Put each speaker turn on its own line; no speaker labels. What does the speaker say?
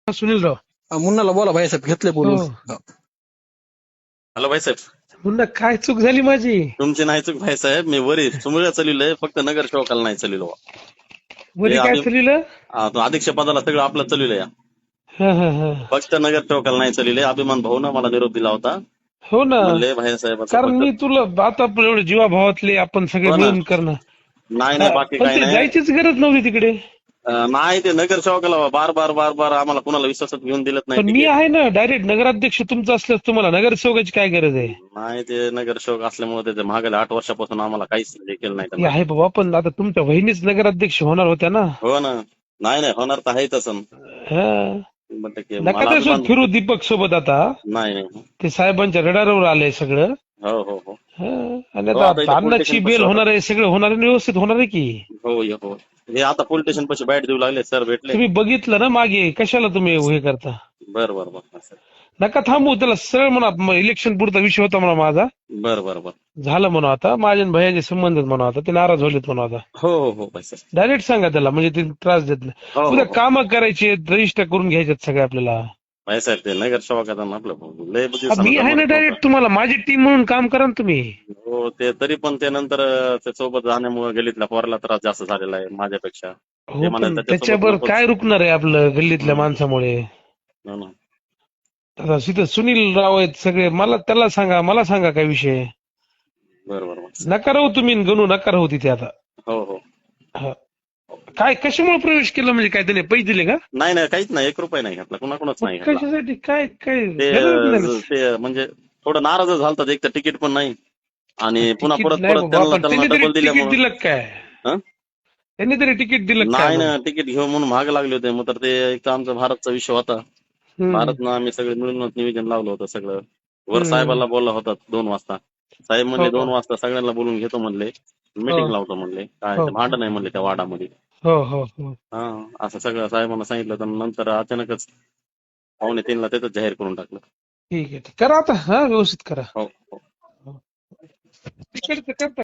सुनीलराव.
मुन्नाला बोला भाईसाहेब, घेतले
हो.
बोलून.
हॅलो भाईसाहेब,
मुन्ना, काय चूक झाली माझी?
तुमची नाही चूक भाईसाहेब. मी वरी चुमळ्या चालवलंय, फक्त नगर सेवकाला नाही चालवलो.
वरी काय चाललं?
अध्यक्ष पदाला सगळं आपलं चालवलंय,
हा हा हा.
फक्त नगर सेवकाला नाही चालवलंय. अभिमान भाऊन मला निरोप दिला होता,
हो ना,
म्हणले भाईसाहेब
कारण मी तुला आता आपण एवढे जीवाभावातले आपण सगळे
हो ना.
मिळून करणं.
नाही नाही, बाकी
पण
काही
ते
नाही.
जायचीच गरज नव्हती तिकडे.
नाही, ते नगर सेवकाला बार बार बार बार आम्हाला कुणाला विश्वासात घेऊन दिलत नाही
पण मी
तिकीट.
आहे ना, डायरेक्ट नगराध्यक्ष तुमचं असल्यास तुम्हाला नगरसेवकाची काय गरज आहे?
नाही, ते नगर सेवक असल्यामुळे त्याच्या मागल्या 8 वर्षापासून आम्हाला काहीच हे केलं नाही
हे
त्यांना.
आहे बाबा, पण आता तुमच्या वहिनीच नगराध्यक्ष होणार होत्या ना.
हो ना. नाही नाही, होणार तर आहे तसं
हा.
100%.
नका
मला
त्यासोबत
अभिमान
फिरू दीपक सोबत आता.
नाही नाही.
ते साहेबांच्या रडारवर आलंय सगळं.
हो हो हो
हा. आणि
हो, आता इथं
आता
पोलीस
अन्नाची
स्टेशन
बेल
पाशी
होणार आहे, सगळं होणार आहे, व्यवस्थित होणार आहे की.
हो हो. हे आता पोलीस स्टेशन पाशी बाईट देऊ लागले, सर भेटले.
तुम्ही बघितलं ना मागे, कशाला तुम्ही हे करता?
बर बर बर
नका थांबू त्याला, सरळ म्हणा इलेक्शन पुरता विषय होता म्हणा माझा,
बर बर बर.
झालं म्हणा आता, माझ्या आणि भैयाचे संबंध म्हणा आता, ते नाराज झालेत म्हणा आता.
हो हो हो भाई सर.
डायरेक्ट सांगा त्याला, म्हणजे ते त्रास देत नाही.
हो हो
उद्या
हो.
कामं करायची, रजिस्टर करून घ्यायच्यात सगळे आपल्याला.
भाई साहेब, ते नगर सेवक आता आपलं लय बुद्धी
मी आहे ना डायरेक्ट, तुम्हाला माझी टीम म्हणून काम करा ना तुम्ही.
हो, ते तरी पण ते नंतर त्या सोबत जाण्यामुळे गलीतल्या पोराला त्रास जास्त झालेला आहे माझ्यापेक्षा.
हो,
ते म्हणाले
पण
त्याच्यासोबत
त्याच्यावर
नकोच.
काय रुकणार आहे आपलं गल्लीतल्या माणसामुळे?
हो ना.
आता तिथं सुनील राव आहेत सगळे, त्याला सांगा, मला सांगा काय विषय.
बर बर बर.
नका राहू तुम्ही, गणू नका राहू तिथे आता.
हो हो.
हा. काय कशामुळे प्रवेश केला, म्हणजे काय त्याने पैसे दिले का?
नाही नाही, काहीच नाही, 1 रुपया नाही घातला, कुणाकुणाच नाही घातला.
कशासाठी? काय काय
ते
गरज नाही.
ते म्हणजे थोडं नाराज झालतात, एक तर तिकीट पण नाही आणि पुन्हा
तिकीट
परत
नाही
परत
बाबा,
त्यांना
पण त्यांनी तरी
डबल
तिकीट
दिल्यामुळं.
दिलं काय?
हं?
त्यांनी तरी तिकीट दिलं काय
नाही
म्हणून?
ना, तिकीट घेऊन म्हणून महाग लागले होते. मग तर ते एक तर आमचा भारतचा विषय होता.
हम्म.
भारतनं आम्ही सगळे मिळूनच नियोजन लावलं होतं सगळं. वर
हम्म.
साहेबाला बोलला होता 2 वाजता. साहेब म्हणले
हो
2 वाजता सगळ्यांना बोलून घेतो म्हणले, मीटिंग लावतो म्हणले. काय
हो
ते भांडण नाही म्हणले त्या वाडामध्ये.
हो हो हो.
हा, असं सगळं साहेबांना सांगितलं, तर नंतर अचानकच 2:45ला तिथंच जाहीर करून टाकलं.
ठीक आहे, करा आता. हा, व्यवस्थित करा.
हो हो.
तिकडचं करता.